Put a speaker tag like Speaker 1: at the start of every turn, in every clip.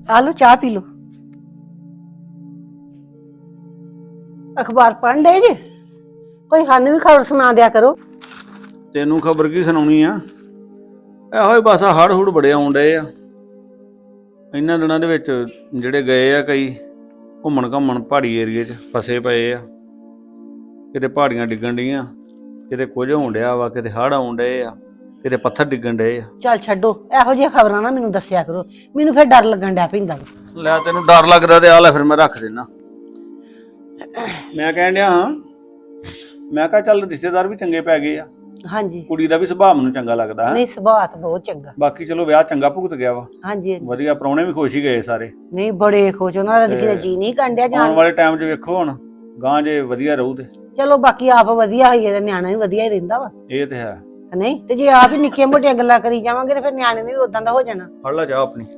Speaker 1: आ लो चाह P low. अखबार पढ़ ले जे कोई सानू भी खबर सुना दिया करो।
Speaker 2: ਤੈਨੂੰ ਖਬਰ ਕੀ ਸੁਣਾਉਣੀ ਆ। ਇਹੋ ਹੀ ਬਸ ਹੜ ਹੁੜ ਬੜੇ ਆਉਣ ਡਏ ਆ ਇਹਨਾਂ ਦਿਨਾਂ ਦੇ ਵਿੱਚ। ਜਿਹੜੇ ਗਏ ਆ ਕਈ ਘੁੰਮਣ ਘਾਮਣ ਪਹਾੜੀ ਏਰੀਏ 'ਚ ਫਸੇ ਪਏ ਆ। ਕਿਤੇ ਪਹਾੜੀਆਂ ਡਿੱਗਣ ਡੀਆਂ, ਕਿਤੇ ਕੁਝ ਹੋਣ ਡਿਆ ਵਾ, ਕਿਤੇ ਹੜ ਆਉਣ ਡਏ ਆ, ਕਿਤੇ ਪੱਥਰ ਡਿੱਗਣ ਡਏ ਆ।
Speaker 1: चल छड्डो ਇਹੋ ਜਿਹੀ ਖਬਰਾਂ ਨਾ ਮੈਨੂੰ ਦੱਸਿਆ ਕਰੋ, ਮੈਨੂੰ ਫਿਰ ਡਰ ਲੱਗਣ ਡਿਆ ਪੈਂਦਾ ਵਾ।
Speaker 2: ਲੈ ਤੈਨੂੰ ਡਰ ਲੱਗਦਾ ਤੇ ਆ ਲੈ ਫਿਰ ਮੈਂ ਰੱਖ ਦੇਣਾ। ਮੈਂ ਕਹਿਣ ਡਿਆ ਹਾਂ, ਮੈਂ ਕਿਹਾ ਚੱਲ ਰਿਸ਼ਤੇਦਾਰ ਵੀ ਚੰਗੇ ਪੈ ਗਏ ਆ।
Speaker 1: हाँ जी।
Speaker 2: ਕੁੜੀ ਦਾ ਵੀ ਸੁਭਾਅ ਮੈਨੂੰ ਚੰਗਾ ਲੱਗਦਾ ਹੈ।
Speaker 1: नहीं सुभाव तो बहुत चंगा।
Speaker 2: ਬਾਕੀ ਚਲੋ ਵਿਆਹ ਚੰਗਾ ਭੁਗਤ ਗਿਆ ਵਾ।
Speaker 1: हाँ जी।
Speaker 2: ਵਧੀਆ, ਪ੍ਰਾਹੁਣੇ ਵੀ ਖੁਸ਼ ਹੀ ਗਏ ਸਾਰੇ।
Speaker 1: नहीं बड़े खुश होना दिखे जी नहीं कंडिया
Speaker 2: ਆਉਣ
Speaker 1: जान।
Speaker 2: ਵਾਲੇ ਟਾਈਮ 'ਚ ਵੇਖੋ ਹੁਣ ਗਾਂ ਜੇ ਵਧੀਆ ਰਹੂ ਤੇ।
Speaker 1: चलो बाकी आप वधिया होइए ते न्याणा भी वधिया ही रहिंदा वा।
Speaker 2: ਇਹ ਤੇ ਹੈ।
Speaker 1: नहीं ते जे आप ही निक्कियां मोटियां गल्लां करी जावांगे ते फिर न्याणे ने भी उदां दा हो जाना।
Speaker 2: ਫੜ ਲਾ ਚਾਹ ਆਪਣੀ।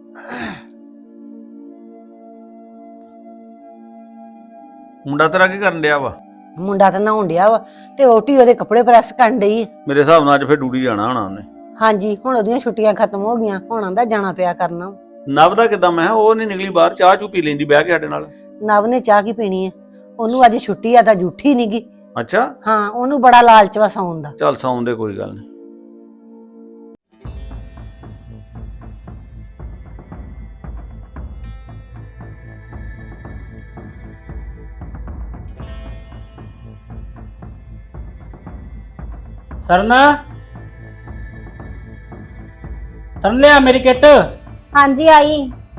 Speaker 2: ਮੁੰਡਾ ਤੇਰਾ ਕੀ ਕਰਨ ਡਿਆ ਵਾ?
Speaker 1: मुंडा तो नहाउण डिया वा ते ओटी ओदे कपड़े प्रेस करन डई।
Speaker 2: ਮੇਰੇ ਹਿਸਾਬ ਨਾਲ ਅੱਜ ਫਿਰ ਡਿਊਟੀ ਜਾਣਾ ਹੋਣਾ ਉਹਨੇ।
Speaker 1: हाँ जी हुण ओदियां छुट्टियां खत्म हो गईयां, हुण आंदा जाना पिया करना।
Speaker 2: ਨਵ ਦਾ ਕਿਦਾਂ? ਮੈਂ ਕਿਹਾ ਉਹ ਨਹੀਂ ਨਿਕਲੀ ਬਾਹਰ, ਚਾਹ ਚੂ ਪੀ ਲੈਂਦੀ ਬਹਿ ਕੇ ਸਾਡੇ ਨਾਲ।
Speaker 1: नव ने चाह की पीनी है, ओनू अज छुट्टी आ तां जूठी नहीं गी।
Speaker 2: ਅੱਛਾ
Speaker 1: हाँ ओनू बड़ा लालच वा सौन दा।
Speaker 2: ਚੱਲ ਸੌਣ ਦੇ, ਕੋਈ ਗੱਲ ਨਹੀਂ।
Speaker 3: सरण सरण लिया मेरी किट।
Speaker 4: हाँ जी आई।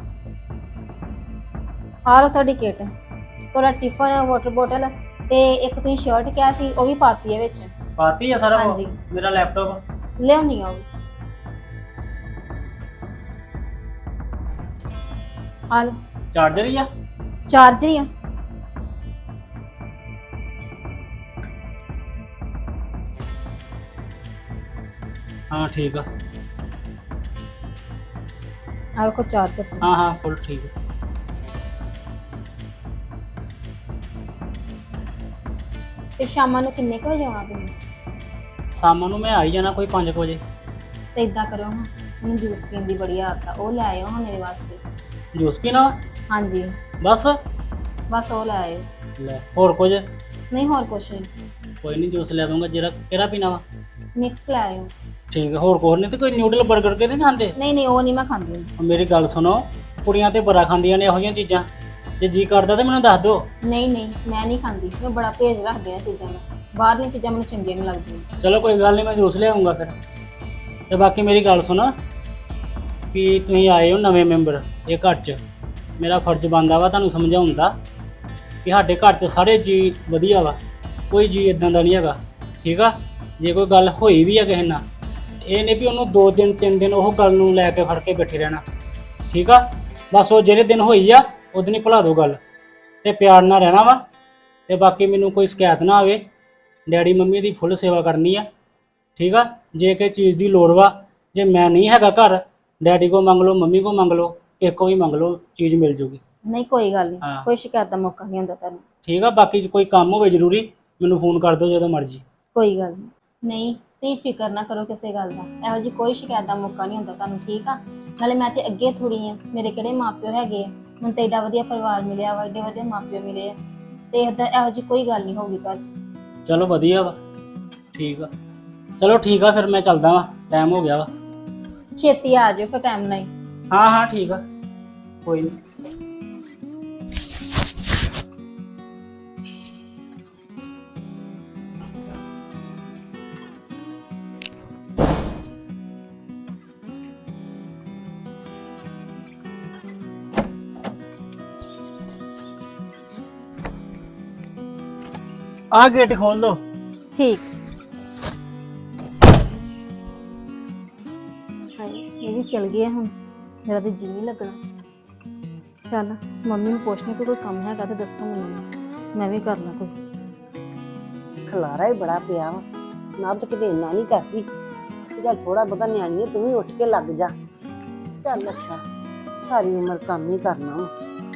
Speaker 4: आ लो थोड़ी किट, थोड़ा टिफन वाटर बोतल ते एक तुम शर्ट क्या सी वो भी पाती है विच।
Speaker 3: पाती है सारा
Speaker 4: हाँ
Speaker 3: वो?
Speaker 4: जी।
Speaker 3: मेरा लैपटॉप
Speaker 4: ले नहीं आओ। आ लो
Speaker 3: चार्जर ही है।
Speaker 4: चार्जर ही है।
Speaker 3: हाँ ठीक है।
Speaker 4: आपको चार्जर।
Speaker 3: हाँ हाँ फुल ठीक है।
Speaker 4: फिर शाम को किन्ने को बजे आना तुम?
Speaker 3: शाम ਨੂੰ मैं आई जाना कोई 5 बजे।
Speaker 4: तो इदा करो हाँ, मैं जूस पीने की बड़ी आदत है, वो ले आयो हाँ मेरे वास्ते।
Speaker 3: जूस पीना?
Speaker 4: हाँ जी
Speaker 3: बस
Speaker 4: बस वो ले आयो।
Speaker 3: ले और कुछ?
Speaker 4: नहीं और कुछ नहीं।
Speaker 3: कोई नहीं, जूस ले दूंगा। जरा केड़ा पीना वा?
Speaker 4: मिक्स ले आयो।
Speaker 3: ठीक है। और कुछ नहीं तो कोई न्यूडल बर्गर ते नहीं खाते?
Speaker 4: नहीं नहीं वो नहीं मैं खाती।
Speaker 3: मेरी गल सुनो, कुड़ियां ते बड़ा खांदियां ने ਇਹੋ ਜਿਹੀਆਂ ਚੀਜ਼ਾਂ। ਜੇ ਜੀ ਕਰਦਾ ਤੇ ਮੈਨੂੰ ਦੱਸ ਦਿਓ।
Speaker 4: नहीं नहीं मैं नहीं खाती, मैं बड़ा परहेज रखती हाँ चीज़ों का। बाहर दी चीज़ां मैनूं चंगियां नहीं लगदियां।
Speaker 3: चलो कोई गल नहीं, मैं जूस ले आऊँगा फिर। ਤੇ ਬਾਕੀ ਮੇਰੀ ਗੱਲ ਸੁਣ ਵੀ ਤੁਸੀਂ ਆਏ ਹੋ ਨਵੇਂ ਮੈਂਬਰ ਇਹ ਘਰ 'ਚ, ਮੇਰਾ ਫਰਜ਼ ਬਣਦਾ ਵਾ ਤੁਹਾਨੂੰ ਸਮਝਾਉਣ ਦਾ ਕਿ ਸਾਡੇ ਘਰ 'ਚ ਸਾਰੇ ਜੀ ਵਧੀਆ ਵਾ, ਕੋਈ ਜੀ ਇਦਾਂ ਦਾ ਨਹੀਂ ਹੈਗਾ। ਠੀਕ ਆ? ਜੇ ਕੋਈ ਗੱਲ ਹੋਈ ਵੀ ਆ ਕਿਸੇ ਨਾਲ, ਇਹ ਨਹੀਂ ਵੀ ਉਹਨੂੰ 2 ਦਿਨ 3 ਦਿਨ ਉਹ ਗੱਲ ਨੂੰ ਲੈ ਕੇ ਫੜ ਕੇ ਬੈਠੇ ਰਹਿਣਾ। ਠੀਕ ਆ? ਬਸ ਉਹ ਜਿਹੜੇ ਦਿਨ ਹੋਈ ਆ ਉਦੋਂ ਹੀ ਭੁਲਾ ਦਿਓ ਗੱਲ, ਤੇ ਪਿਆਰ ਨਾਲ ਰਹਿਣਾ ਵਾ। ਤੇ ਬਾਕੀ ਮੈਨੂੰ ਕੋਈ ਸ਼ਿਕਾਇਤ ਨਾ ਆਵੇ। ਡੈਡੀ ਮੰਮੀ ਦੀ ਫੁੱਲ ਸੇਵਾ ਕਰਨੀ ਆ। ठीक है? जे कि चीज़ की लोड़ वा, जे मैं नहीं हैगा घर, डैडी को मंग लो, मम्मी को मंग लो, किसी को भी मंग लो, चीज़ मिल जूगी।
Speaker 4: नहीं कोई गल नहीं,
Speaker 3: हाँ।
Speaker 4: कोई शिकायत का मौका नहीं होंदा तुहानूं।
Speaker 3: ठीक है? बाकी कोई काम हो जरूरी मैनू फोन कर दो जो मर्जी।
Speaker 4: कोई गल नहीं, तुसीं फिकर ना करो किसी गल का। इहो जी कोई शिकायत का मौका नहीं होंदा तुहानूं। ठीक आ? नाले मैं ते अगे थोड़ी आ, मेरे किहड़े माँ प्यो हैगे आ, मैनूं ते एडा वधिया परिवार मिलिया वा, एडे वधिया माँ प्यो मिले आ, ते इहो जी कोई गल नहीं होगी घर च।
Speaker 3: चलो वधिया वा। ठीक है? चलो ठीक है, फिर मैं चलदा वा, टाइम हो गया वा।
Speaker 4: छेती आ जाओ फिर टाइम नहीं।
Speaker 3: हाँ हाँ ठीक है, कोई नहीं। आ गेट खोल दो।
Speaker 4: ठीक। ये भी चल गया हम, मेरा तो जी नहीं लगना। चल मम्मी ने पूछने को कोई कम है तो दसो मैनूं, मैं भी करना कोई।
Speaker 1: खलारा ही बड़ा पिया वा, नब तो किते इन्ना नहीं करती। चल थोड़ा बहुता न्याणी है, तू भी उठ के लग जा। चल अच्छा, सारी उम्र काम ही करना वा।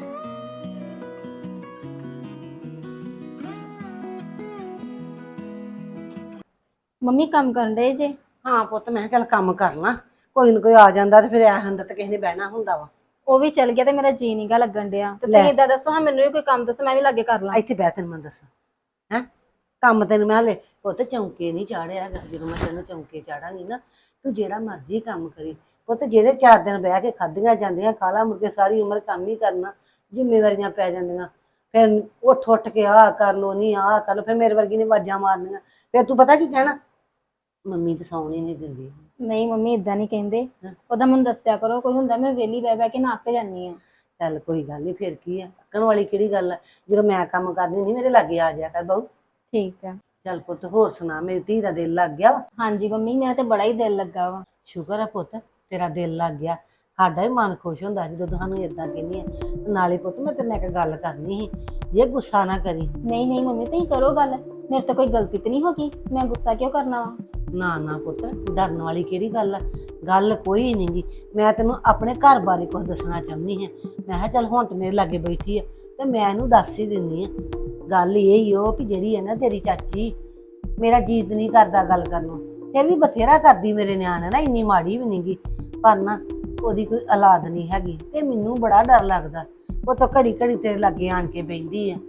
Speaker 4: मम्मी काम कर रहे जे?
Speaker 1: हाँ पुत मैं चल काम कर ला, कोई ना कोई आ जाता तो फिर ऐ हुंदा तो किसी ने बहना हुंदा वा।
Speaker 4: ਉਹ ਵੀ ਚਲ ਗਿਆ ਤੇ ਮੇਰਾ ਜੀ ਨੀਗਾ ਲੱਗਣ ਡਿਆ ਤੇ
Speaker 1: ਲੈ।
Speaker 4: ਤੁਸੀਂ ਇਦਾਂ ਦੱਸੋ ਹਾਂ ਮੈਨੂੰ ਵੀ ਕੋਈ ਕੰਮ ਦੱਸੋ ਮੈਂ ਵੀ ਲਾਗੇ ਕਰ ਲਾਂ।
Speaker 1: ਇੱਥੇ ਬਹਿ ਤੈਨੂੰ ਮੈਂ ਦੱਸਾਂ ਹੈ ਕੰਮ ਤੈਨੂੰ ਮੈਂ ਹਲੇ ਪੁੱਤ ਚੌਂਕੇ ਨਹੀਂ ਚਾੜਿਆ ਹੈਗਾ। ਜਦੋਂ ਮੈਂ ਤੈਨੂੰ ਚੌਂਕੇ ਚਾੜਾਂਗੀ ਨਾ ਤੂੰ ਜਿਹੜਾ ਮਰਜ਼ੀ ਕੰਮ ਕਰੀ ਪੁੱਤ, ਜਿਹੜੇ 4 ਦਿਨ ਬਹਿ ਕੇ ਖਾਧੀਆਂ ਜਾਂਦੀਆਂ ਖਾ ਲਾ, ਮੁੜ ਕੇ ਸਾਰੀ ਉਮਰ ਕੰਮ ਹੀ ਕਰਨਾ, ਜ਼ਿੰਮੇਵਾਰੀਆਂ ਪੈ ਜਾਂਦੀਆਂ। ਫਿਰ ਉੱਠ ਕੇ ਆਹ ਕਰ ਲੋ, ਨਹੀਂ ਆਹ ਕਰ ਲੋ, ਫਿਰ ਮੇਰੇ ਵਰਗੀ ਨੇ ਆਵਾਜ਼ਾਂ ਮਾਰਨੀਆਂ। ਫਿਰ ਤੂੰ ਪਤਾ ਕੀ ਕਹਿਣਾ, ਮੰਮੀ ਤਾਂ ਸੌਣ ਹੀ ਨਹੀਂ ਦਿੰਦੀ।
Speaker 4: ਨਹੀਂ ਮੰਮੀ ਇਦਾਂ ਨਹੀਂ ਕਹਿੰਦੇ,
Speaker 1: ਹਾਂ।
Speaker 4: ਉਹਦਾ ਮੈਨੂੰ ਦੱਸਿਆ ਕਰੋ। ਕੋਈ ਹੁੰਦਾ ਮੈਂ ਵਿਹਲੀ ਬਹਿ ਕੇ ਨਾ ਅੱਕ ਜਾਂਦੀ ਆ।
Speaker 1: ਚੱਲ ਕੋਈ ਗੱਲ ਨਹੀਂ, ਫਿਰ ਕੀ ਆ, ਅੱਕਣ ਵਾਲੀ ਕਿਹੜੀ ਗੱਲ ਆ। ਜਦੋਂ ਮੈਂ ਕੰਮ ਕਰਦੀ ਨਹੀਂ ਮੇਰੇ ਲਾਗੇ ਆ ਜਾਇਆ ਕਰ ਬਹੂ।
Speaker 4: ਠੀਕ ਆ।
Speaker 1: ਚੱਲ ਪੁੱਤ ਹੋਰ ਸੁਣਾ, ਮੇਰੀ ਧੀ ਦਾ ਦਿਲ ਲੱਗ ਗਿਆ ਵਾ।
Speaker 4: ਹਾਂਜੀ ਮੰਮੀ ਮੇਰਾ ਤੇ ਬੜਾ ਹੀ ਦਿਲ ਲੱਗਾ ਵਾ।
Speaker 1: ਸ਼ੁਕਰ ਆ ਪੁੱਤ ਤੇਰਾ ਦਿਲ ਲੱਗ ਗਿਆ, ਸਾਡਾ ਵੀ ਮਨ ਖੁਸ਼ ਹੁੰਦਾ ਜਦੋਂ ਤੁਹਾਨੂੰ ਇਦਾਂ ਕਹਿੰਦੀ ਆ। ਤੇ ਨਾਲੇ ਪੁੱਤ ਮੈਂ ਤੇਰੇ ਨਾਲ ਇੱਕ ਗੱਲ ਕਰਨੀ ਸੀ, ਜੇ ਗੁੱਸਾ ਨਾ ਕਰੀ।
Speaker 4: ਨਹੀਂ ਨਹੀਂ ਮੰਮੀ ਤੁਸੀਂ ਕਰੋ ਗੱਲ, ਮੇਰੇ ਤੋਂ ਕੋਈ ਗਲਤੀ ਤੇ ਨਹੀਂ ਹੋ ਗਈ, ਮੈਂ ਗੁੱਸਾ ਕਿਉਂ ਕਰਨਾ ਵਾ।
Speaker 1: ਨਾ ਨਾ ਪੁੱਤ ਡਰਨ ਵਾਲੀ ਕਿਹੜੀ ਗੱਲ ਆ, ਗੱਲ ਕੋਈ ਨਹੀਂ ਗੀ। ਮੈਂ ਤੈਨੂੰ ਆਪਣੇ ਘਰ ਬਾਰੇ ਕੁਝ ਦੱਸਣਾ ਚਾਹੁੰਦੀ ਹਾਂ। ਮੈਂ ਕਿਹਾ ਚੱਲ ਹੁਣ ਤੇ ਮੇਰੇ ਲਾਗੇ ਬੈਠੀ ਆ ਤੇ ਮੈਂ ਇਹਨੂੰ ਦੱਸ ਹੀ ਦਿੰਦੀ ਆ। ਗੱਲ ਇਹ ਹੀ ਉਹ ਵੀ ਜਿਹੜੀ ਹੈ ਨਾ ਤੇਰੀ ਚਾਚੀ, ਮੇਰਾ ਜੀਤ ਨਹੀਂ ਕਰਦਾ ਗੱਲ ਕਰਨ ਨੂੰ, ਫਿਰ ਵੀ ਬਥੇਰਾ ਕਰਦੀ ਮੇਰੇ ਨਿਆਣੇ ਨਾ, ਇੰਨੀ ਮਾੜੀ ਵੀ ਨਹੀਂ ਗੀ, ਪਰ ਨਾ ਉਹਦੀ ਕੋਈ ਔਲਾਦ ਨਹੀਂ ਹੈਗੀ ਤੇ ਮੈਨੂੰ ਬੜਾ ਡਰ ਲੱਗਦਾ। ਉਹ ਤਾਂ ਘੜੀ ਘੜੀ ਤੇਰੇ ਲਾਗੇ ਆਣ ਕੇ ਬੈਠੀ ਆ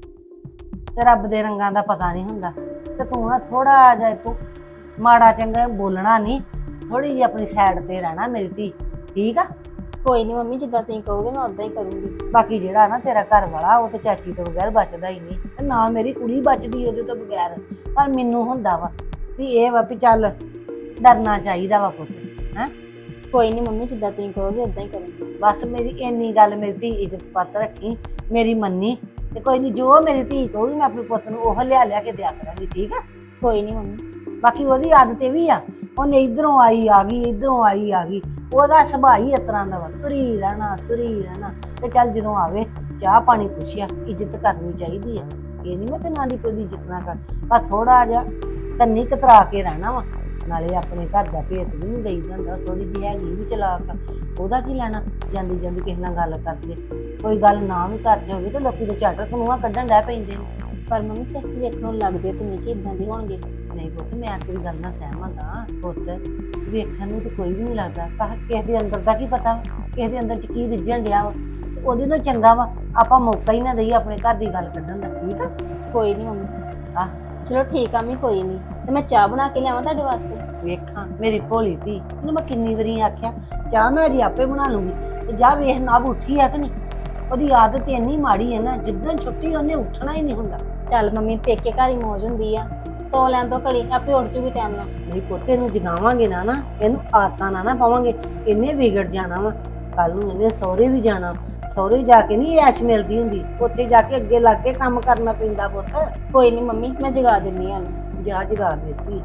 Speaker 1: ਤੇ ਰੱਬ ਦੇ ਰੰਗਾਂ ਦਾ ਪਤਾ ਨਹੀਂ ਹੁੰਦਾ। ਤੇ ਤੂੰ ਨਾ ਥੋੜਾ ਜਿਹਾ ਤੂੰ ਮਾੜਾ ਚੰਗਾ ਬੋਲਣਾ ਨਹੀਂ, ਥੋੜੀ ਜਿਹੀ ਆਪਣੀ ਸਾਈਡ ਤੇ ਰਹਿਣਾ ਮੇਰੀ ਧੀ, ਠੀਕ ਆ।
Speaker 4: ਕੋਈ ਨਹੀਂ ਮੰਮੀ ਜਿੱਦਾਂ ਤੁਸੀਂ ਕਹੋਗੇ ਮੈਂ ਉਦਾਂ ਹੀ ਕਰੂੰਗੀ।
Speaker 1: ਬਾਕੀ ਜਿਹੜਾ ਨਾ ਤੇਰਾ ਘਰ ਵਾਲਾ ਉਹ ਤੇ ਚਾਚੀ ਤੋਂ ਬਗੈਰ ਬਚਦਾ ਹੀ ਨਹੀਂ, ਤੇ ਨਾ ਮੇਰੀ ਕੁੜੀ ਬਚਦੀ ਉਹਦੇ ਤੋਂ ਬਗੈਰ। ਪਰ ਮੈਨੂੰ ਹੁੰਦਾ ਵਾ ਵੀ ਇਹ ਵਾ ਵੀ ਚੱਲ ਡਰਨਾ ਚਾਹੀਦਾ ਵਾ ਪੁੱਤ, ਹੈ।
Speaker 4: ਕੋਈ ਨਹੀਂ ਮੰਮੀ ਜਿੱਦਾਂ ਤੁਸੀਂ ਕਹੋਗੇ ਉਦਾਂ ਹੀ ਕਰੂੰਗੀ।
Speaker 1: ਬਸ ਮੇਰੀ ਇੰਨੀ ਗੱਲ, ਮੇਰੀ ਧੀ ਇੱਜ਼ਤ ਪੱਤ ਰੱਖੀ, ਮੇਰੀ ਮੰਨੀ, ਤੇ ਕੋਈ ਨਹੀਂ ਜੋ ਮੇਰੀ ਧੀ ਕਹੂਗੀ ਮੈਂ ਆਪਣੇ ਪੁੱਤ ਨੂੰ ਉਹ ਲਿਆ ਕੇ ਦਿਆ ਕਰਾਂਗੀ, ਠੀਕ ਆ।
Speaker 4: ਕੋਈ ਨਹੀਂ ਮੰਮੀ।
Speaker 1: ਬਾਕੀ ਉਹਦੀ ਆਦਤ ਇਹ ਵੀ ਆ, ਉਹਨੇ ਇਧਰੋਂ ਆਈ ਆ ਗਈ, ਇਧਰੋਂ ਆਈ ਆ ਗਈ, ਉਹਦਾ ਸੁਭਾਅ ਹੀ ਇਸ ਤਰ੍ਹਾਂ ਦਾ ਵਾ, ਤੁਰੀ ਰਹਿਣਾ। ਤੇ ਚੱਲ ਜਦੋਂ ਆਵੇ ਚਾਹ ਪਾਣੀ ਪੁੱਛਿਆ, ਇੱਜ਼ਤ ਕਰਨੀ ਚਾਹੀਦੀ ਆ। ਇਹ ਨਹੀਂ ਮੈਂ ਤੇ ਨਾਲੀ ਕੋਈ ਦੀ ਇੱਜ਼ਤ ਨਾ ਕਰ, ਪਰ ਥੋੜਾ ਜਿਹਾ ਕੰਨੀ ਕਤਰਾ ਕੇ ਰਹਿਣਾ ਵਾ। ਨਾਲੇ ਆਪਣੇ ਘਰ ਦਾ ਭੇਤ ਵੀ ਨਹੀਂ ਦੇਈਦਾ ਹੁੰਦਾ, ਥੋੜੀ ਜਿਹੀ ਹੈਗੀ ਵੀ ਚਲਾਕ, ਉਹਦਾ ਕੀ ਲੈਣਾ। ਜਾਂਦੀ ਜਾਂਦੀ ਕਿਸੇ ਨਾਲ ਗੱਲ ਕਰ ਜੇ, ਕੋਈ ਗੱਲ ਨਾ ਵੀ ਕਰ ਜਾਵੇ ਤੇ ਲੋਕੀ ਦੇ ਝੱਟ ਕਨੂਆ ਕੱਢਣ ਡੈ ਪੈਂਦੇ ਨੇ।
Speaker 4: ਪਰ ਮੰਮੀ ਚਾਚੀ ਵੇਖਣੋਂ ਲੱਗਦੇ ਤੇ ਨਹੀਂ ਕਿ ਇਦਾਂ ਦੇ ਹੋਣਗੇ।
Speaker 1: ਨਹੀਂ ਪੁੱਤ ਮੈਂ ਤੇਰੀ ਗੱਲ ਨਾਲ ਸਹਿਮਤ ਹਾਂ। ਪੁੱਤ ਵੇਖਣ ਨੂੰ ਤਾਂ ਕੋਈ ਵੀ ਨਹੀਂ ਲੱਗਦਾ, ਕਿਸੇ ਦੇ ਅੰਦਰ ਦਾ ਕੀ ਪਤਾ, ਕਿਸੇ ਦੇ ਅੰਦਰ ਚ ਕੀ ਰਿੱਝਣ ਡਿਆ ਵਾ। ਤੇ ਉਹਦੇ ਨਾਲ ਚੰਗਾ ਵਾ ਆਪਾਂ ਮੌਕਾ ਹੀ ਨਾ ਦਈਏ ਆਪਣੇ ਘਰ ਦੀ ਗੱਲ ਕੱਢਣ ਦਾ, ਠੀਕ ਆ।
Speaker 4: ਕੋਈ ਨਹੀਂ ਮੰਮੀ।
Speaker 1: ਆਹ
Speaker 4: ਚਲੋ ਠੀਕ ਆ, ਮੈਂ ਕੋਈ ਨਹੀਂ ਤੇ ਮੈਂ ਚਾਹ ਬਣਾ ਕੇ ਲਿਆਵਾਂ ਤੁਹਾਡੇ ਵਾਸਤੇ।
Speaker 1: ਵੇਖਾਂ ਮੇਰੀ ਭੋਲੀ ਧੀ, ਤੈਨੂੰ ਮੈਂ ਕਿੰਨੀ ਵਾਰੀ ਆਖਿਆ ਚਾਹ ਮੈਂ ਅਜੇ ਆਪੇ ਬਣਾ ਲੂੰਗੀ, ਤੇ ਜਾ ਵੇਖ ਨਾ ਉੱਠੀ ਆ ਕਿ ਨਹੀਂ। ਉਹਦੀ ਆਦਤ ਇੰਨੀ ਮਾੜੀ ਹੈ ਨਾ, ਜਿੱਦਣ ਛੁੱਟੀ ਉਹਨੇ ਉੱਠਣਾ ਹੀ ਨਹੀਂ ਹੁੰਦਾ।
Speaker 4: ਚੱਲ ਮੰਮੀ ਪੇਕੇ ਘਰ ਹੀ ਮੌਜ ਹੁੰਦੀ ਆ, ਸੌ ਲੈਣ ਤੋਂ ਘੜੀ ਆਪੇ ਉੱਠ ਜੂਗੀ ਟਾਈਮ ਨਾਲ।
Speaker 1: ਨਹੀਂ ਪੋਤੇ ਨੂੰ ਜਗਾਵਾਂਗੇ ਨਾ ਇਹਨੂੰ ਆਦਤਾਂ ਨਾ ਪਾਵਾਂਗੇ, ਇਹਨੇ ਵਿਗੜ ਜਾਣਾ ਵਾ। ਕੱਲ ਨੂੰ ਇਹਨੇ ਸਹੁਰੇ ਵੀ ਜਾਣਾ, ਸਹੁਰੇ ਜਾ ਕੇ ਨਹੀਂ ਐਸ਼ ਮਿਲਦੀ ਹੁੰਦੀ, ਉੱਥੇ ਜਾ ਕੇ ਅੱਗੇ ਲੱਗ ਕੇ ਕੰਮ ਕਰਨਾ ਪੈਂਦਾ ਪੁੱਤ।
Speaker 4: ਕੋਈ ਨਹੀਂ ਮੰਮੀ ਮੈਂ ਜਗਾ ਦਿੰਦੀ ਹਾਂ।
Speaker 1: ਜਾ ਜਗਾ ਦਿੱਤੀ।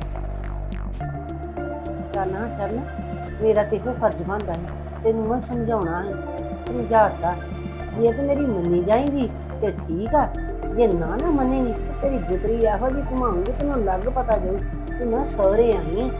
Speaker 1: ਚੱਲ ਨਾ ਸ਼ਰਨ, ਮੇਰਾ ਤੇ ਇਹੋ ਫਰਜ਼ ਬਣਦਾ ਹੈ ਤੈਨੂੰ ਮੈਂ ਸਮਝਾਉਣਾ ਹੈ, ਸਮਝਾਤਾ। ਜੇ ਤੇ ਮੇਰੀ ਮੰਨੀ ਜਾਏਗੀ ਤੇ ਠੀਕ ਆ, ਜੇ ਨਾ ਮੰਨੇਗੀ ਤੇ ਤੇਰੀ ਗੁਦਰੀ ਇਹੋ ਜਿਹੀ ਘੁਮਾਉਂਗੀ ਤੈਨੂੰ ਲੱਗ ਪਤਾ ਜਾਊ ਕਿ ਮੈਂ ਸਹੁਰੇ ਆਈ ਹਾਂ।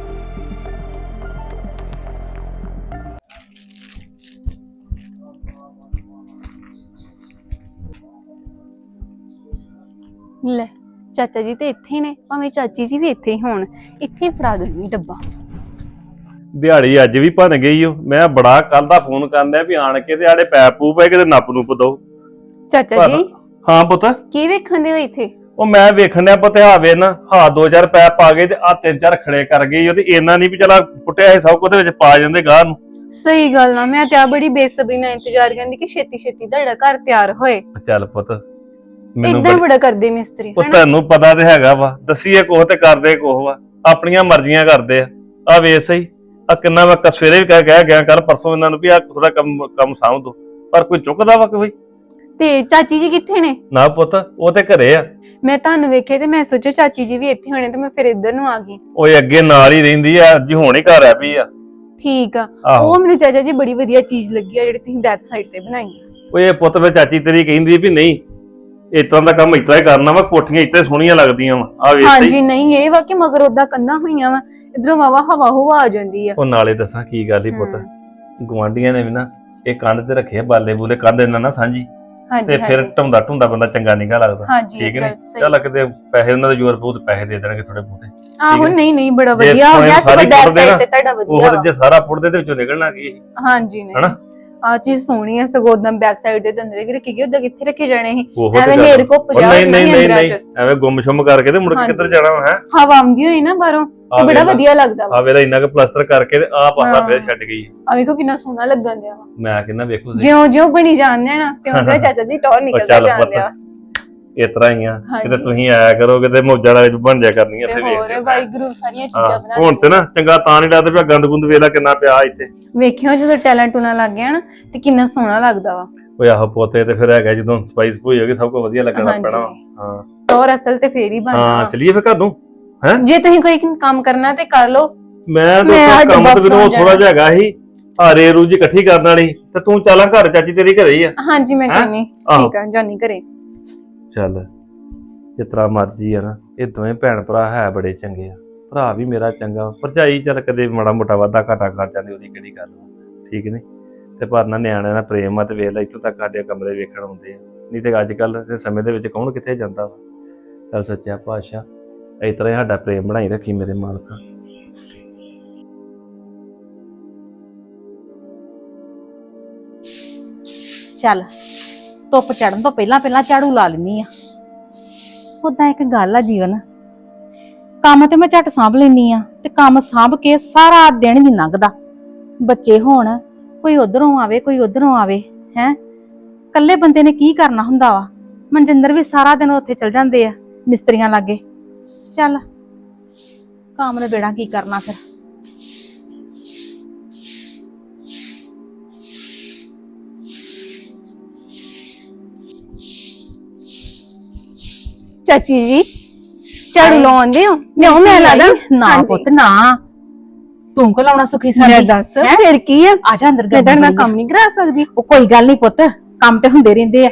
Speaker 5: ਲੈ ਚਾਚਾ ਜੀ ਤੇ ਇੱਥੇ ਹੀ ਨੇ, ਭਾਵੇਂ ਚਾਚੀ ਜੀ ਵੀ ਇੱਥੇ ਹੀ ਹੋਣ, ਇੱਥੇ ਹੀ ਫੜਾ ਦਿੰਦੀ ਡੱਬਾ।
Speaker 6: ਦਿਹਾੜੀ ਅੱਜ ਵੀ ਭੰਨ ਗਈ ਓ। ਮੈਂ ਬੜਾ ਕੱਲ ਦਾ ਫੋਨ ਕਰਦਾ ਵੀ ਆਣ ਕੇ ਤੇ ਆੜੇ ਪੈਪ ਪੂਪ ਹੈ ਕਿਤੇ ਨੱਪ ਨੂਪ ਦੋ।
Speaker 5: ਚਾਚਾ ਜੀ
Speaker 6: ਹਾਂ ਪੁੱਤ,
Speaker 5: ਕੀ ਵੇਖਣ ਦੇ ਹੋ ਇੱਥੇ?
Speaker 6: ਉਹ ਮੈਂ ਵੇਖਣ ਡਿਆ ਪੁੱਤ ਹਾਵੇ ਨਾ, ਹਾਂ 2-4 ਪੈਪ ਪਾ ਗਏ ਤੇ ਆ 3-4 ਖੜੇ ਕਰ ਗਈ ਉਹ, ਤੇ ਇੰਨਾ ਨਹੀਂ ਵੀ ਚਲਾ ਪੁੱਟਿਆ ਇਹ ਸਭ ਕੁਝ ਵਿੱਚ ਪਾ ਜਾਂਦੇ ਗਾਹ ਨੂੰ।
Speaker 5: ਸਹੀ ਗੱਲ ਨਾ, ਮੈਂ ਤੇ ਆ ਬੜੀ ਬੇਸਬਰੀ ਨਾਲ ਇੰਤਜ਼ਾਰ ਕਰਦੀ ਕਿ ਛੇਤੀ ਛੇਤੀ ਤੁਹਾਡਾ ਘਰ ਤਿਆਰ ਹੋਏ।
Speaker 6: ਚੱਲ ਪੁੱਤ
Speaker 5: ਇਦਾਂ ਬੜਾ ਕਰਦੇ ਮਿਸਤਰੀ,
Speaker 6: ਉਹ ਤੁਹਾਨੂੰ ਪਤਾ ਤੇ ਹੈਗਾ ਵਾ, ਦਸੀਏ ਕੋਹ ਤੇ ਕਰਦੇ ਕੋਹ ਵਾ, ਆਪਣੀਆਂ ਮਰਜ਼ੀਆਂ ਕਰਦੇ ਆ ਵੇਖ ਸਹੀ ਆ ਕਿੰਨਾ ਮੈਂ ਸਵੇਰੇ ਵੀ ਕਹਿ ਗਿਆ ਕੱਲ ਪਰਸੋਂ ਇਹਨਾਂ ਨੂੰ ਵੀ ਆ ਥੋੜਾ ਕੰਮ ਸਾਂਭ ਦੋ, ਪਰ ਕੋਈ ਚੁੱਕਦਾ ਵਾ ਕੋਈ।
Speaker 5: ਤੇ ਚਾਚੀ ਜੀ ਕਿੱਥੇ ਨੇ?
Speaker 6: ਨਾ ਪੁੱਤ ਉਹ ਤੇ ਘਰੇ ਆ।
Speaker 5: ਮੈਂ ਤੁਹਾਨੂੰ ਵੇਖੇ ਤੇ ਮੈਂ ਸੋਚਿਆ ਚਾਚੀ ਜੀ ਵੀ ਇੱਥੇ ਹੋਣੇ, ਤੇ ਮੈਂ ਫਿਰ ਇੱਧਰ ਨੂੰ ਆ ਗਈ।
Speaker 6: ਓਏ ਅੱਗੇ ਨਾਲ ਹੀ ਰਹਿੰਦੀ ਆ, ਅੱਜ ਹੁਣ ਹੀ ਘਰ ਆ ਪਈ ਆ।
Speaker 5: ਠੀਕ ਆ।
Speaker 6: ਆਹੋ।
Speaker 5: ਉਹ ਮੈਨੂੰ ਚਾਚਾ ਜੀ ਬੜੀ ਵਧੀਆ ਚੀਜ਼ ਲੱਗੀ ਆ ਜਿਹੜੀ ਤੁਸੀਂ ਬੈਕ ਸਾਈਡ ਤੇ ਬਣਾਈ ਆ।
Speaker 6: ਓਏ ਇਹ ਪੁੱਤ ਵੇ ਚਾਚੀ ਤੇਰੀ ਕਹਿੰਦੀ ਵੀ ਨਹੀਂ ਇਸ ਤਰ੍ਹਾਂ ਦਾ ਕੰਮ ਇਸ ਤਰ੍ਹਾਂ ਹੀ ਕਰਨਾ ਵਾ, ਕੋਠੀਆਂ ਇੱਥੇ ਸੋਹਣੀਆਂ ਲੱਗਦੀਆਂ ਵਾ ਆ ਵੇਖ
Speaker 5: ਹਾਂਜੀ
Speaker 6: ਸਹੀ।
Speaker 5: ਨਹੀਂ ਇਹ ਵਾ ਕਿ ਮਗਰ ਉਦਾਂ ਕੰਧਾਂ ਹੋਈਆਂ ਵਾ, ਇਧਰੋਂ ਵਾਵਾ ਹਵਾ ਹੁਵਾ ਆ ਜਾਂਦੀ ਆ।
Speaker 6: ਉਹ ਨਾਲੇ ਦੱਸਾਂ ਕੀ ਗੱਲ ਹੀ ਪੁੱਤ, ਗਵਾਂਢੀਆਂ ਨੇ ਵੀ ਨਾ ਇਹ ਕੰਧ ਤੇ ਰੱਖੇ ਬਾਲੇ ਬੂਲੇ, ਕੰਧ ਇਹਨਾਂ ਨਾ ਸਾਂਝੀ,
Speaker 5: ਹਾਂਜੀ
Speaker 6: ਤੇ ਫਿਰ
Speaker 5: ਹਾਂਜੀ
Speaker 6: ਢੁੰਦਾ ਬੰਦਾ ਚੰਗਾ ਨਿਗਾ ਲੱਗਦਾ।
Speaker 5: ਹਾਂਜੀ
Speaker 6: ਠੀਕ
Speaker 5: ਇਹ
Speaker 6: ਨੇ,
Speaker 5: ਗੱਲ ਸਹੀ।
Speaker 6: ਚੱਲ ਕਿਤੇ ਪੈਸੇ ਉਹਨਾਂ ਦੇ ਜ਼ੋਰ ਬਹੁਤ ਪੈਸੇ ਦੇ ਦੇਣਗੇ ਥੋੜੇ ਬਹੁਤੇ।
Speaker 5: ਆਹੋ
Speaker 6: ਨੇ।
Speaker 5: ਨਹੀਂ ਨਹੀਂ ਬੜਾ
Speaker 6: ਜੇ
Speaker 5: ਵਧੀਆ ਹੋ ਗਿਆ,
Speaker 6: ਸਾਰੀ
Speaker 5: ਸਭ ਬੈਕ
Speaker 6: ਪੁੱਟਦੇ ਨਾ,
Speaker 5: ਸਾਈਡ ਤੇ ਤੁਹਾਡਾ ਵਧੀਆ
Speaker 6: ਉਹ
Speaker 5: ਵਾ।
Speaker 6: ਜੇ ਸਾਰਾ ਪੁੱਟਦੇ ਦੇ ਵਿੱਚੋਂ ਨਿਕਲਣਾ ਕੀ ਇਹ,
Speaker 5: ਹਾਂਜੀ ਨਹੀਂ
Speaker 6: ਹਨਾ?
Speaker 5: ਆ ਚੀਜ਼ ਸੋਹਣੀ ਆ, ਸਗੋਂ ਉਦਾਂ ਬੈਕ ਸਾਈਡ ਦੇ ਅੰਦਰ ਕਿ ਰੱਖੀ ਗਈ, ਉਦਾਂ ਕਿੱਥੇ ਰੱਖੇ ਜਾਣੇ ਸੀ?
Speaker 6: ਉਹੋ ਤੇ
Speaker 5: ਐਵੇਂ
Speaker 6: ਗੱਲ।
Speaker 5: ਨੇਰ ਕੋ
Speaker 6: ਉਹ
Speaker 5: 50
Speaker 6: ਨਹੀਂ ਨਹੀਂ ਨਹੀਂ
Speaker 5: ਅੰਦਰਾਂ
Speaker 6: ਨਹੀਂ,
Speaker 5: ਚ
Speaker 6: ਐਵੇਂ ਗੁੰਮ-ਸ਼ੁੰਮ ਕਰਕੇ ਤੇ ਮੁੜ ਕੇ ਕਿੱਧਰ ਜਾਣਾ ਹੈ?
Speaker 5: ਹਵਾ ਆਉਂਦੀ ਹੋਈ ਨਾ ਬਾਹਰੋਂ, ਤੇ ਬੜਾ ਵਧੀਆ ਲੱਗਦਾ ਵਾ।
Speaker 6: ਆ ਵੇਲਾ ਇੰਨਾ ਕੁ ਪਲਾਸਟਰ ਕਰਕੇ ਤੇ ਆ ਪਾਸਾ ਫੇਰ ਛੱਡ ਗਈ।
Speaker 5: ਆ ਵੇਖੋ ਕਿੰਨਾ ਸੋਹਣਾ ਲੱਗਣ ਦਿਆ ਵਾ।
Speaker 6: ਮੈਂ ਕਹਿੰਦਾ ਵੇਖੋ
Speaker 5: ਜਿਉਂ ਬਣੀ ਜਾਂਦੇ ਨਾ ਤੇ ਉਹਦਾ ਚਾਚਾ ਜੀ ਟੌਰ ਨਿਕਲਦਾ
Speaker 6: ਚੱਲ
Speaker 5: ਜਾਂਦੇ ਆ।
Speaker 6: ਇਸ ਤਰ੍ਹਾਂ ਹੀ ਆ,
Speaker 5: ਹਾਂਜੀ।
Speaker 6: ਕਿਤੇ ਤੁਸੀਂ ਆਇਆ ਕਰੋ, ਕਿਤੇ ਮੋਜਾਂ ਵਾਲੇ ਬਣ ਜਾ ਕਰਨੀਆਂ
Speaker 5: ਤੇ
Speaker 6: ਇੱਥੇ
Speaker 5: ਹੋਰ
Speaker 6: ਵੇਖ ਕੇ।
Speaker 5: ਵਾਹਿਗੁਰੂ ਸਾਰੀਆਂ ਚੀਜ਼ਾਂ ਬਣਾ
Speaker 6: ਹੁਣ ਤੇ ਨਾ ਚੰਗਾ ਤਾਂ ਨਹੀਂ ਲੱਗਦਾ ਵੀ ਗੰਦ ਗੁੰਦ ਵੇਲਾ ਕਿੰਨਾ ਪਿਆ ਇੱਥੇ।
Speaker 5: ਵੇਖਿਓ ਜਦੋਂ ਟੈਲੈਂਟ ਟੂਣਾ ਲੱਗ ਗਿਆ ਨਾ ਤੇ ਕਿੰਨਾ ਸੋਹਣਾ ਲੱਗਦਾ ਵਾ।
Speaker 6: ਓਏ ਆਹੋ ਪੋਤੇ ਤੇ ਫਿਰ ਹੈਗਾ ਜਦੋਂ ਸਪਾਈਸ ਹੋਈ ਹੋਗੀ ਸਭ ਕੁਝ ਵਧੀਆ ਲੱਗਣਾ
Speaker 5: ਹਾਂਜੀ।
Speaker 6: ਪੈਣਾ ਵਾ। ਹਾਂ
Speaker 5: ਟੌਰ ਅਸਲ ਤੇ ਫੇਰ ਹੀ
Speaker 6: ਹਾਂ
Speaker 5: ਬਣਦਾ।
Speaker 6: ਚਲੀਏ ਫਿਰ ਘਰ ਨੂੰ।
Speaker 5: ਜੇ ਤੁਸੀਂ ਕੋਈ ਕੰਮ ਕਰਨਾ ਤੇ ਕਰ ਲਓ।
Speaker 6: ਮੈਂ
Speaker 5: ਮੈਂ
Speaker 6: ਤਾਂ
Speaker 5: ਅੱਜ
Speaker 6: ਕੰਮ ਤੇ ਮੈਨੂੰ
Speaker 5: ਬਾਪੂ
Speaker 6: ਥੋੜਾ ਜਿਹਾ ਹੈਗਾ ਸੀ, ਹਾਰੇ ਰੂਜੀ ਇਕੱਠੀ ਕਰਨ ਵਾਲੀ, ਤੇ ਤੂੰ ਚੱਲਾਂ ਘਰ, ਚਾਚੀ ਤੇਰੀ ਘਰੇ ਹੀ ਆ।
Speaker 5: ਹਾਂਜੀ ਮੈਂ
Speaker 6: ਹੈਂ?
Speaker 5: ਕਰਨੀ
Speaker 6: ਆਹੋ।
Speaker 5: ਠੀਕ ਆ, ਜਾਨੀ ਘਰੇ।
Speaker 6: ਚੱਲ ਜਿਸ ਤਰ੍ਹਾਂ ਮਰਜੀ ਆ ਨਾ, ਇਹ ਦੋਵੇਂ ਭੈਣ ਭਰਾ ਹੈ ਬੜੇ ਚੰਗੇ ਆ। ਭਰਾ ਵੀ ਮੇਰਾ ਚੰਗਾ, ਭਰਜਾਈ ਚੱਲ ਕਦੇ ਮਾੜਾ ਮੋਟਾ ਵਾਧਾ ਘਾਟਾ ਕਰ ਜਾਂਦੀ, ਉਹਦੀ ਕਿਹੜੀ ਗੱਲ ਵਾ, ਠੀਕ ਨੀ? ਤੇ ਪਰ ਨਾ ਨਿਆਣਿਆਂ ਦਾ ਪ੍ਰੇਮ ਆ, ਤੇ ਵੇਖ ਲੈ ਇੱਥੋਂ ਤੱਕ ਸਾਡੇ ਕਮਰੇ ਵੇਖਣ ਆਉਂਦੇ ਆ, ਨਹੀਂ ਤੇ ਅੱਜ ਕੱਲ ਦੇ ਸਮੇਂ ਦੇ ਵਿੱਚ ਕੌਣ ਕਿੱਥੇ ਜਾਂਦਾ ਵਾ। ਚੱਲ ਸੱਚਾ ਪਾਤਸ਼ਾਹ ਇਸ ਤਰ੍ਹਾਂ ਹੀ ਸਾਡਾ ਪ੍ਰੇਮ ਬਣਾਈ ਰੱਖੀ ਮੇਰੇ ਮਾਲਕਾ।
Speaker 7: ਚੱਲ ਧੁੱਪ ਚੜਨ ਤੋਂ ਪਹਿਲਾਂ ਪਹਿਲਾਂ ਝਾੜੂ ਲਾ ਲੈਣੀ ਆ। ਉਦਾਂ ਇੱਕ ਗੱਲ ਆ ਜੀਵਨ, ਕੰਮ ਤੇ ਮੈਂ ਝੱਟ ਸਾਂਭ ਲੈਣੀ ਆ, ਤੇ ਕੰਮ ਸਾਂਭ ਕੇ ਸਾਰਾ ਦਿਨ ਨਹੀਂ ਲੰਘਦਾ। ਬੱਚੇ ਹੋਣ, ਕੋਈ ਉਧਰੋਂ ਆਵੇ ਕੋਈ ਉਧਰੋਂ ਆਵੇ, ਹੈ ਇਕੱਲੇ ਬੰਦੇ ਨੇ ਕੀ ਕਰਨਾ ਹੁੰਦਾ ਵਾ। ਮਨਜਿੰਦਰ ਵੀ ਸਾਰਾ ਦਿਨ ਉੱਥੇ ਚਲ ਜਾਂਦੇ ਆ ਮਿਸਤਰੀਆਂ ਲਾਗੇ। ਚੱਲ ਕੰਮ ਨੇ ਬੇੜਾ ਕੀ ਕਰਨਾ ਫਿਰ।
Speaker 5: ਚਾਚੀ ਜੀ ਝਾੜੂ ਲਾਉਂਦੇ ਹੋ? ਲਿਆਓ ਮੈਂ ਲਾ ਦਾਂ।
Speaker 7: ਨਾ
Speaker 5: ਹਾਂਜੀ।
Speaker 7: ਪੁੱਤ ਨਾ, ਤੂੰ ਕੋ ਲਾਉਣਾ ਸੁਖੀ
Speaker 5: ਮੈਂ
Speaker 7: ਸਾਡੀ।
Speaker 5: ਦੱਸ
Speaker 7: ਹੈਂ?
Speaker 5: ਫਿਰ ਕੀ ਆ?
Speaker 7: ਆ ਜਾ ਅੰਦਰ
Speaker 5: ਮੈਂ ਤਾਂ
Speaker 7: ਗਰਮੀ
Speaker 5: ਮੈਂ
Speaker 7: ਬੜੀ ਆ।
Speaker 5: ਕੰਮ ਨਹੀਂ ਕਰਾ ਸਕਦੀ।
Speaker 7: ਉਹ ਕੋਈ ਗੱਲ ਨਹੀਂ ਪੁੱਤ, ਕੰਮ ਤੇ ਹੁੰਦੇ ਰਹਿੰਦੇ ਆ।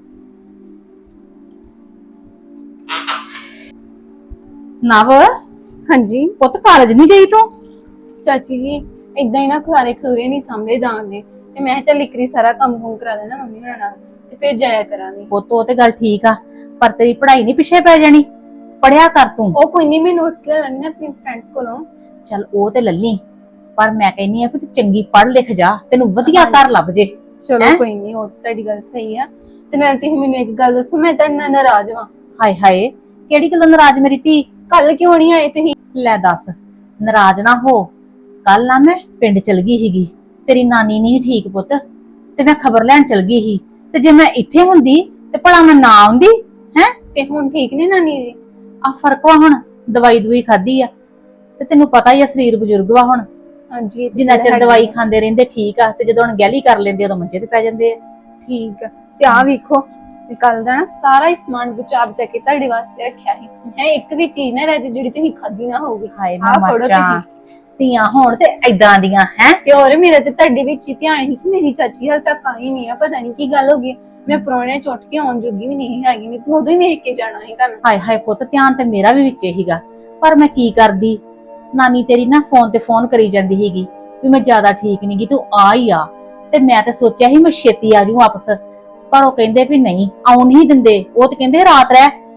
Speaker 7: ਨਵ
Speaker 5: ਹਾਂਜੀ
Speaker 7: ਪੁੱਤ ਕਾਲਜ ਨਹੀਂ ਗਈ ਤੂੰ?
Speaker 5: ਚਾਚੀ ਜੀ ਇਦਾਂ ਹੀ ਨਾ ਖਲਾਰੇ ਖਲੂਰੇ ਨਹੀਂ ਸਾਂਭੇ ਦਾਂਦੇ, ਤੇ ਮੈਂ ਚੱਲ ਇਕਰੀ ਸਾਰਾ ਕੰਮ ਕਰਾ ਦੇਣਾ ਮੰਮੀ ਹੋਣਾ ਨਾਲ, ਤੇ ਫਿਰ ਜਾਇਆ ਕਰਾਂਗੇ।
Speaker 7: ਪੁੱਤ ਉਹ ਤੇ ਗੱਲ ਠੀਕ ਆ, ਪਰ ਤੇਰੀ ਪੜ੍ਹਾਈ ਨਹੀਂ ਪਿੱਛੇ ਪੈ ਜਾਣੀ। ਪੜਿਆ ਕਰ ਤੂੰ।
Speaker 5: ਉਹ ਕੋਈ ਨਹੀਂ, ਮੈਂ ਨੋਟਸ ਲੈ ਲੈਣੇ ਆਪਣੇ ਫਰੈਂਡਸ ਕੋਲੋਂ।
Speaker 7: ਚੱਲ ਉਹ ਤੇ ਲੱਲੀ, ਪਰ ਮੈਂ ਕਹਿੰਨੀ ਆ ਕਿ ਤੂੰ ਚੰਗੀ ਪੜ੍ਹ ਲਿਖ ਜਾ, ਤੈਨੂੰ ਵਧੀਆ
Speaker 5: ਹਾਂਜੀ।
Speaker 7: ਘਰ ਲੱਭ ਜੇ।
Speaker 5: ਚਲੋ
Speaker 7: ਹੈਂ?
Speaker 5: ਕੋਈ ਨਹੀਂ, ਉਹ ਤਾਂ ਤੁਹਾਡੀ ਗੱਲ ਸਹੀ ਆ। ਤੇ ਨਾਲ ਤੁਸੀਂ ਮੈਨੂੰ ਇੱਕ ਗੱਲ ਦੱਸੋ, ਮੈਂ ਤੁਹਾਡੇ ਨਾਲ ਨਾਰਾਜ਼ ਵਾਂ।
Speaker 7: ਹਾਏ ਹਾਏ, ਕਿਹੜੀ ਗੱਲੋਂ ਨਾਰਾਜ਼ ਮੇਰੀ ਧੀ?
Speaker 5: ਕੱਲ ਕਿਉਂ ਨਹੀਂ ਆਏ ਤੁਸੀਂ?
Speaker 7: ਲੈ ਦੱਸ, ਨਾਰਾਜ਼ ਨਾ ਹੋ। ਕੱਲ ਨਾ ਮੈਂ ਪਿੰਡ ਚਲ ਗਈ ਸੀਗੀ, ਤੇਰੀ ਨਾਨੀ ਨਹੀਂ ਠੀਕ ਪੁੱਤ, ਤੇ ਮੈਂ ਖਬਰ ਲੈਣ ਚਲ ਗਈ ਸੀ। ਤੇ ਜੇ ਮੈਂ ਇੱਥੇ ਹੁੰਦੀ ਤੇ ਭਲਾ ਮੈਂ ਨਾ ਆਉਂਦੀ? ਹੈ
Speaker 5: ਤੇ ਹੁਣ ਠੀਕ ਨੇ ਨਾਨੀ ਜੀ?
Speaker 7: ਆ ਫਰਕ ਵਾ, ਹੁਣ ਦਵਾਈ ਦਵਾਈ ਖਾਧੀ ਆ, ਤੇ ਤੈਨੂੰ ਪਤਾ ਹੀ ਆ ਸਰੀਰ ਬਜ਼ੁਰਗ ਵਾ ਹੁਣ,
Speaker 5: ਹਾਂਜੀ ਇਹ ਤਾਂ
Speaker 7: ਜਿੰਨਾ
Speaker 5: ਚੱਲ
Speaker 7: ਚਿਰ
Speaker 5: ਹੈਗੀ
Speaker 7: ਦਵਾਈ
Speaker 5: ਆ।
Speaker 7: ਖਾਂਦੇ ਰਹਿੰਦੇ ਠੀਕ ਆ, ਤੇ ਜਦੋਂ ਅਣਗਹਿਲੀ ਕਰ ਲੈਂਦੇ ਉਦੋਂ ਮੰਜੇ ਤੇ ਪੈ ਜਾਂਦੇ ਆ।
Speaker 5: ਠੀਕ ਆ। ਤੇ ਆ ਵੇਖੋ, ਕੱਲ ਦਾ ਨਾ ਸਾਰਾ ਹੀ ਸਮਾਨ ਬਚਾ ਬਚਾ ਕੇ ਤੁਹਾਡੇ ਵਾਸਤੇ ਰੱਖਿਆ ਸੀ। ਹੈ ਇੱਕ ਵੀ ਚੀਜ਼ ਨਾ ਰਹਿ ਜਾਏ ਜਿਹੜੀ ਤੁਸੀਂ ਖਾਧੀ ਨਾ ਹੋਊਗੀ।
Speaker 7: ਹਾਏ
Speaker 5: ਆਹ
Speaker 7: ਮੈਂ
Speaker 5: ਫੜੋ
Speaker 7: ਮਰ ਜਾ,
Speaker 5: ਤੁਸੀਂ।
Speaker 7: ਧੀਆਂ ਹੋਣ ਤੇ ਏਦਾਂ ਦੀਆਂ ਹੈ।
Speaker 5: ਤੇ ਹੋਰ ਮੇਰਾ ਤੇ ਤੁਹਾਡੇ ਵਿੱਚ ਹੀ ਧਿਆਨ ਸੀ ਕਿ ਮੇਰੀ ਚਾਚੀ ਹਾਲ ਤੱਕ ਆਈ ਨਹੀਂ ਆ, ਪਤਾ ਨਹੀਂ ਕੀ ਗੱਲ ਹੋ ਗਈ। ਮੈਂ ਪ੍ਰਾਹੁਣੇ ਚੁੱਟ ਕੇ ਆਉਣ ਜੋਗੀ ਵੀ ਨਹੀਂ ਹੈਗੀ, ਨਹੀਂ ਤੂੰ ਉਦੋਂ ਹੀ ਵੇਖ ਕੇ ਜਾਣਾ ਸੀ ਤੁਹਾਨੂੰ।
Speaker 7: ਹਾਏ ਹਾਏ ਪੁੱਤ, ਧਿਆਨ ਤੇ ਮੇਰਾ ਵੀ ਵਿੱਚ ਹੀਗਾ, ਪਰ ਮੈਂ ਕੀ ਕਰਦੀ। ਨਾਨੀ ਤੇਰੀ ਨਾ ਫੋਨ ਤੇ ਫੋਨ ਕਰੀ ਜਾਂਦੀ ਸੀਗੀ ਵੀ ਮੈਂ ਜ਼ਿਆਦਾ ਠੀਕ ਨੀ ਗੀ, ਤੂੰ ਆ ਹੀ ਆ। ਤੇ ਮੈਂ ਤੇ ਸੋਚਿਆ ਸੀ ਮੈਂ ਛੇਤੀ ਆ ਜੂ ਵਾਪਸ, ਪਰ ਉਹ ਕਹਿੰਦੇ ਵੀ ਨਹੀਂ ਆਉਣ ਨਹੀਂ ਦਿੰਦੇ। ਉਹ ਤੇ ਕਹਿੰਦੇ ਰਾਤ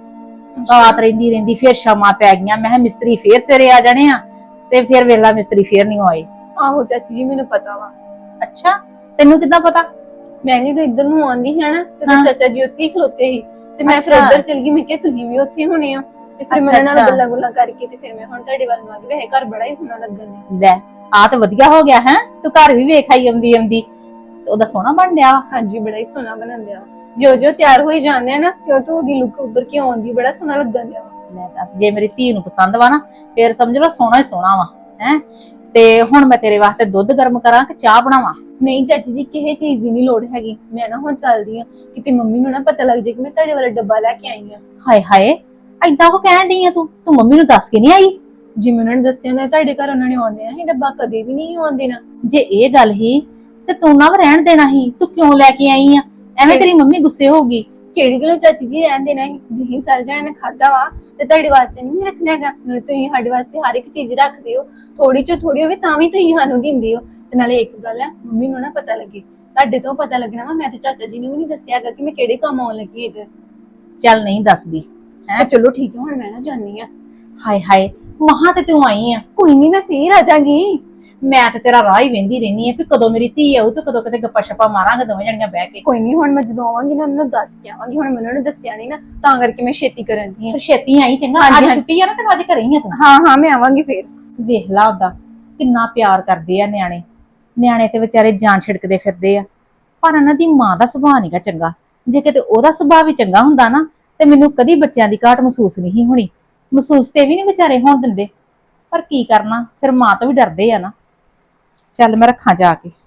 Speaker 7: ਰਹਿੰਦੀ ਫਿਰ ਸ਼ਾਮਾਂ ਪੈ ਗਈਆਂ। ਮੈਂ ਕਿਹਾ ਮਿਸਤਰੀ ਫੇਰ ਸਵੇਰੇ ਆ ਜਾਣੇ ਆ, ਤੇ ਫਿਰ ਵੇਲਾ ਮਿਸਤਰੀ ਫੇਰ ਨਹੀਂ ਆਏ।
Speaker 5: ਆਹੋ ਚਾਚੀ ਜੀ ਮੈਨੂੰ ਪਤਾ ਵਾ।
Speaker 7: ਅੱਛਾ, ਤੈਨੂੰ ਕਿੱਦਾਂ ਪਤਾ?
Speaker 5: ਮੈਂ ਵੀ ਤਾਂ ਇੱਧਰ ਨੂੰ ਆਉਂਦੀ ਹੈ ਨਾ, ਤੇ
Speaker 7: ਹਾਂ।
Speaker 5: ਚਾਚਾ ਜੀ ਉੱਥੇ ਹੀ ਖਲੋਤੇ ਸੀ, ਤੇ ਮੈਂ ਫਿਰ
Speaker 7: ਅੱਛਾ।
Speaker 5: ਉੱਧਰ ਚਲ ਗਈ। ਮੈਂ ਕਿਹਾ ਤੁਸੀਂ ਵੀ ਉੱਥੇ ਹੋਣੇ ਆ, ਤੇ ਫਿਰ
Speaker 7: ਅੱਛਾ,
Speaker 5: ਮੇਰੇ ਨਾਲ
Speaker 7: ਅੱਛਾ।
Speaker 5: ਗੱਲਾਂ ਗੁੱਲਾਂ ਕਰਕੇ ਤੇ ਫਿਰ ਮੈਂ ਹੁਣ ਤੁਹਾਡੇ ਵੱਲ ਨੂੰ ਆ ਗਈ। ਵੈਸੇ ਘਰ ਬੜਾ ਹੀ ਸੋਹਣਾ ਲੱਗਣ ਡਿਆ।
Speaker 7: ਲੈ ਆ ਤੇ ਵਧੀਆ ਹੋ ਗਿਆ ਹੈ, ਤੂੰ ਘਰ ਵੀ ਵੇਖ ਆਈ ਆਉਂਦੀ ਤੇ ਉਹਦਾ ਸੋਹਣਾ ਬਣ ਡਿਆ।
Speaker 5: ਹਾਂਜੀ ਬੜਾ ਹੀ ਸੋਹਣਾ ਬਣਨ ਡਿਆ। ਜਿਉਂ ਤਿਆਰ ਹੋਈ ਜਾਂਦੇ ਆ ਨਾ, ਤਿਉਂ ਉਹਦੀ ਲੁੱਕ ਉੱਭਰ ਕੇ ਆਉਂਦੀ, ਬੜਾ ਸੋਹਣਾ ਲੱਗਣ ਡਿਆ।
Speaker 7: ਲੈ ਦੱਸ, ਜੇ ਮੇਰੀ ਧੀ ਨੂੰ ਪਸੰਦ ਵਾ ਨਾ, ਫੇਰ ਸਮਝ ਲਓ ਸੋਹਣਾ ਹੀ ਸੋਹਣਾ ਵਾ ਹੈ। ਤੇ ਹੁਣ ਮੈਂ ਤੇਰੇ ਵਾਸਤੇ ਦੁੱਧ ਗਰਮ ਕਰਾਂ ਕਿ ਚਾਹ ਬਣਾਵਾਂ?
Speaker 5: ਨਹੀਂ ਚਾਚੀ ਜੀ, ਕਿਸੇ ਚੀਜ਼ ਦੀ ਨਹੀਂ ਲੋੜ ਹੈਗੀ। ਮੈਂ ਨਾ ਹੁਣ ਚੱਲਦੀ ਆ, ਕਿਤੇ ਮੰਮੀ ਨੂੰ ਨਾ ਪਤਾ ਲੱਗ ਜਾਏ ਕਿ ਮੈਂ ਤੁਹਾਡੇ ਵਾਲਾ ਡੱਬਾ ਲੈ ਕੇ ਆਈ ਆ।
Speaker 7: ਹਾਏ ਹਾਏ, ਏਦਾਂ ਕੋ ਕਹਿਣ ਡਈ ਆ ਤੂੰ ਮੰਮੀ ਨੂੰ ਦੱਸ ਕੇ ਨਹੀਂ ਆਈ?
Speaker 5: ਜਿਵੇਂ ਉਹਨਾਂ ਨੇ ਦੱਸਿਆ ਨਾ ਤੁਹਾਡੇ ਘਰ ਉਹਨਾਂ ਨੇ ਆਉਣ ਦੇਣਾ ਸੀ, ਡੱਬਾ ਕਦੇ ਵੀ ਨਹੀਂ ਆਉਣ ਦੇਣਾ।
Speaker 7: ਜੇ ਇਹ ਗੱਲ ਹੀ ਤੇ ਤੂੰ ਨਾ ਰਹਿਣ ਦੇਣਾ ਸੀ, ਤੂੰ ਕਿਉਂ ਲੈ ਕੇ ਆਈ ਆ? ਐਵੇਂ ਤੇਰੀ ਮੰਮੀ ਗੁੱਸੇ ਹੋਊਗੀ।
Speaker 5: ਕਿਹੜੀ ਗੱਲੋਂ ਚਾਚੀ ਜੀ ਰਹਿਣ ਦੇਣਾ ਸੀ? ਜਿਹੀ ਸਾਰੇ ਜਣੇ ਨੇ ਖਾਦਾ ਵਾ, ਤੇ ਤੁਹਾਡੇ ਵਾਸਤੇ ਨਹੀਂ ਰੱਖਣਾ ਹੈਗਾ। ਨਾਲੇ ਤੁਸੀਂ ਸਾਡੇ ਵਾਸਤੇ ਹਰ ਇੱਕ ਚੀਜ਼ ਰੱਖਦੇ ਹੋ, ਥੋੜੀ ਚੋ ਥੋੜੀ ਹੋਵੇ ਤਾਂ ਵੀ ਤੁਸੀਂ ਸਾਨੂੰ ਦਿੰਦੇ ਹੋ। ਤੇ ਨਾਲੇ ਇੱਕ ਗੱਲ ਹੈ, ਮੰਮੀ ਨੂੰ ਨਾ ਪਤਾ ਲੱਗੇ, ਤੁਹਾਡੇ ਤੋਂ ਪਤਾ ਲੱਗਣਾ ਵਾ। ਮੈਂ ਤੇ ਚਾਚਾ ਜੀ ਨੂੰ ਵੀ ਨਹੀਂ ਦੱਸਿਆ ਹੈਗਾ ਕਿ ਮੈਂ ਕਿਹੜੇ ਕੰਮ ਆਉਣ ਲੱਗੀ ਇੱਧਰ।
Speaker 7: ਚੱਲ ਨਹੀਂ ਦੱਸਦੀ
Speaker 5: ਹੈ ਚਲੋ ਠੀਕ ਹੈ, ਹੁਣ ਮੈਂ ਨਾ ਜਾਣੀ ਆ।
Speaker 7: ਹਾਏ ਹਾਏ, ਮਹਾਂ ਤੇ ਤੂੰ ਆਈ ਆ।
Speaker 5: ਕੋਈ ਨਹੀਂ, ਮੈਂ ਫੇਰ ਆ ਜਾਗੀ।
Speaker 7: ਮੈਂ ਤੇ ਤੇਰਾ ਰਾਹ ਹੀ ਵੇਂਦੀ ਰਹਿਨੀ ਆ ਵੀ ਕਦੋਂ ਮੇਰੀ ਧੀ ਆਊ ਤੇ ਕਦੋਂ ਕਿਤੇ ਗੱਪਾਂ ਛੱਪਾਂ ਮਾਰਾਂਗੇ ਦੋਵੇਂ ਜਣੀਆਂ ਬਹਿ ਕੇ।
Speaker 5: ਕੋਈ ਨਹੀਂ, ਹੁਣ ਮੈਂ ਜਦੋਂ ਆਵਾਂਗੀ ਨਾ ਉਹਨਾਂ ਨੂੰ ਦੱਸ ਕੇ ਆਵਾਂਗੀ। ਹੁਣ ਮੈਂ ਉਹਨਾਂ ਨੂੰ ਦੱਸਿਆ ਨਹੀਂ ਨਾ, ਤਾਂ ਕਰਕੇ ਮੈਂ ਛੇਤੀ ਕਰਨ ਦੀ ਆ।
Speaker 7: ਫਿਰ ਛੇਤੀ ਆਈ ਚੰਗਾ।
Speaker 5: ਹਾਂਜੀ,
Speaker 7: ਅੱਜ
Speaker 5: ਹਾਂਜੀ।
Speaker 7: ਛੁੱਟੀ ਆ ਨਾ ਤੇ ਅੱਜ ਘਰੇ ਹੀ ਆ ਤੂੰ।
Speaker 5: ਹਾਂ ਹਾਂ, ਮੈਂ ਆਵਾਂਗੀ ਫੇਰ।
Speaker 7: ਵੇਖ ਲਾ ਉਹਦਾ ਕਿੰਨਾ ਪਿਆਰ ਕਰਦੇ ਆ ਨਿਆਣੇ। ਨਿਆਣੇ ਤੇ ਵਿਚਾਰੇ ਜਾਨ ਛਿੜਕਦੇ ਫਿਰਦੇ ਆ, ਪਰ ਇਹਨਾਂ ਦੀ ਮਾਂ ਦਾ ਸੁਭਾਅ ਨਹੀਂਗਾ ਚੰਗਾ। ਜੇ ਕਿਤੇ ਉਹਦਾ ਸੁਭਾਅ ਵੀ ਚੰਗਾ ਹੁੰਦਾ ਨਾ ਤੇ ਮੈਨੂੰ ਕਦੀ ਬੱਚਿਆਂ ਦੀ ਘਾਟ ਮਹਿਸੂਸ ਨਹੀਂ ਹੋਣੀ। ਮਹਿਸੂਸ ਤੇ ਵੀ ਨਹੀਂ ਵਿਚਾਰੇ ਹੋਣ ਦਿੰਦੇ, ਪਰ ਕੀ ਕਰਨਾ, ਫਿਰ ਮਾਂ ਤੋਂ ਵੀ ਡਰਦੇ ਆ ਨਾ। ਚੱਲ ਮੈਂ ਰੱਖਾਂ ਜਾ ਕੇ।